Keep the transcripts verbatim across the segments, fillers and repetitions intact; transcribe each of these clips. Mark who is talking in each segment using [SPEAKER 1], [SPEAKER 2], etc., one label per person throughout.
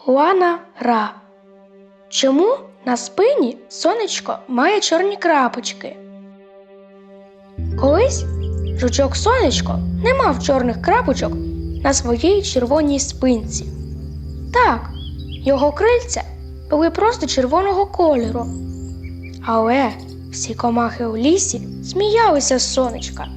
[SPEAKER 1] Хуана Ра. Чому на спині сонечко має чорні крапочки? Колись жучок Сонечко не мав чорних крапочок на своїй червоній спинці. Так, його крильця були просто червоного кольору. Але всі комахи у лісі сміялися з сонечка.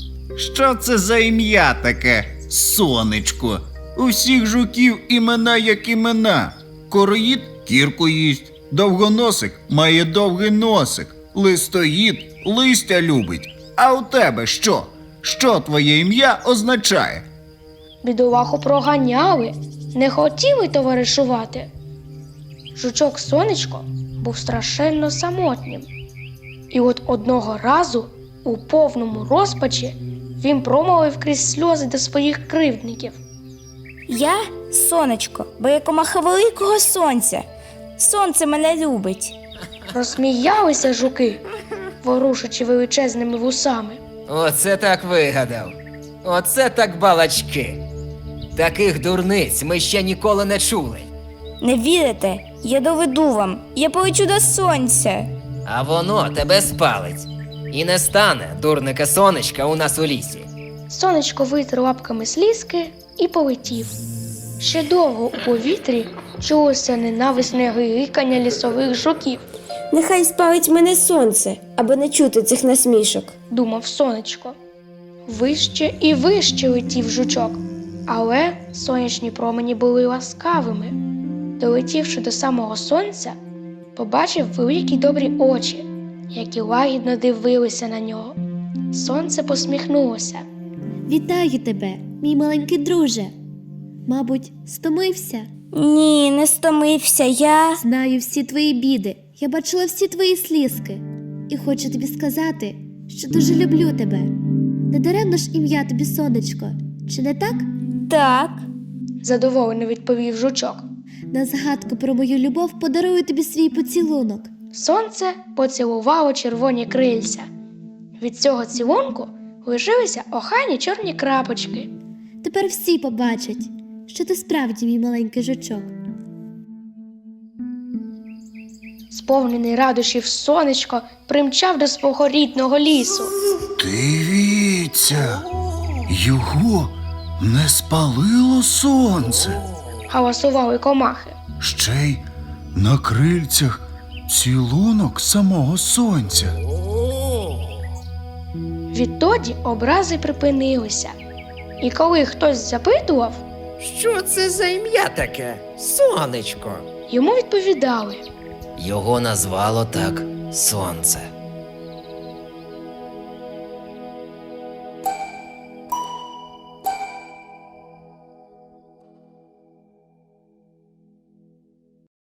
[SPEAKER 2] Що це за ім'я таке? Сонечко. У всіх жуків імена як імена. Короїд кірку їсть, довгоносик має довгий носик, листоїд листя любить. А у тебе що? Що твоє ім'я означає?
[SPEAKER 1] Бідолаху проганяли, не хотіли товаришувати. Жучок Сонечко був страшенно самотнім. І от одного разу, у повному розпачі, він промовив крізь сльози до своїх кривдників.
[SPEAKER 3] Я сонечко, бо я комаха великого сонця. Сонце мене любить.
[SPEAKER 1] Розсміялися жуки, ворушачи величезними вусами.
[SPEAKER 4] Оце так вигадав. Оце так балачки. Таких дурниць ми ще ніколи не чули.
[SPEAKER 3] Не вірите? Я доведу вам. Я полечу до сонця.
[SPEAKER 4] А воно тебе спалить. І не стане дурника сонечка у нас у лісі.
[SPEAKER 1] Сонечко витер лапками слізки і полетів. Ще довго у повітрі чулося ненависне гикання лісових жуків,
[SPEAKER 5] Нехай спалить мене сонце, аби не чути цих насмішок.
[SPEAKER 1] думав Сонечко. Вище і вище летів жучок, але сонячні промені були ласкавими. Долетівши до самого сонця, побачив великі добрі очі, які лагідно дивилися на нього. Сонце посміхнулося.
[SPEAKER 6] Вітаю тебе, мій маленький друже. Мабуть, стомився?
[SPEAKER 3] Ні, не стомився я.
[SPEAKER 6] Знаю всі твої біди. Я бачила всі твої слізки. І хочу тобі сказати, що дуже люблю тебе. Недаремно ж ім'я тобі сонечко. Чи не так?
[SPEAKER 3] Так.
[SPEAKER 1] Задоволено відповів жучок.
[SPEAKER 6] На згадку про мою любов подарую тобі свій поцілунок.
[SPEAKER 1] Сонце поцілувало червоні крильця. Від цього цілунку лишилися охайні чорні крапочки.
[SPEAKER 6] Тепер всі побачать, що ти справді мій маленький жучок.
[SPEAKER 1] Сповнений радощів сонечко примчав до свого рідного лісу.
[SPEAKER 2] Дивіться, його не спалило сонце.
[SPEAKER 1] Галасували комахи.
[SPEAKER 2] Ще й на крильцях цілунок самого сонця.
[SPEAKER 1] Відтоді образи припинилися. І коли хтось запитував,
[SPEAKER 4] Що це за ім'я таке? Сонечко.
[SPEAKER 1] йому відповідали.
[SPEAKER 4] Його назвало так сонце.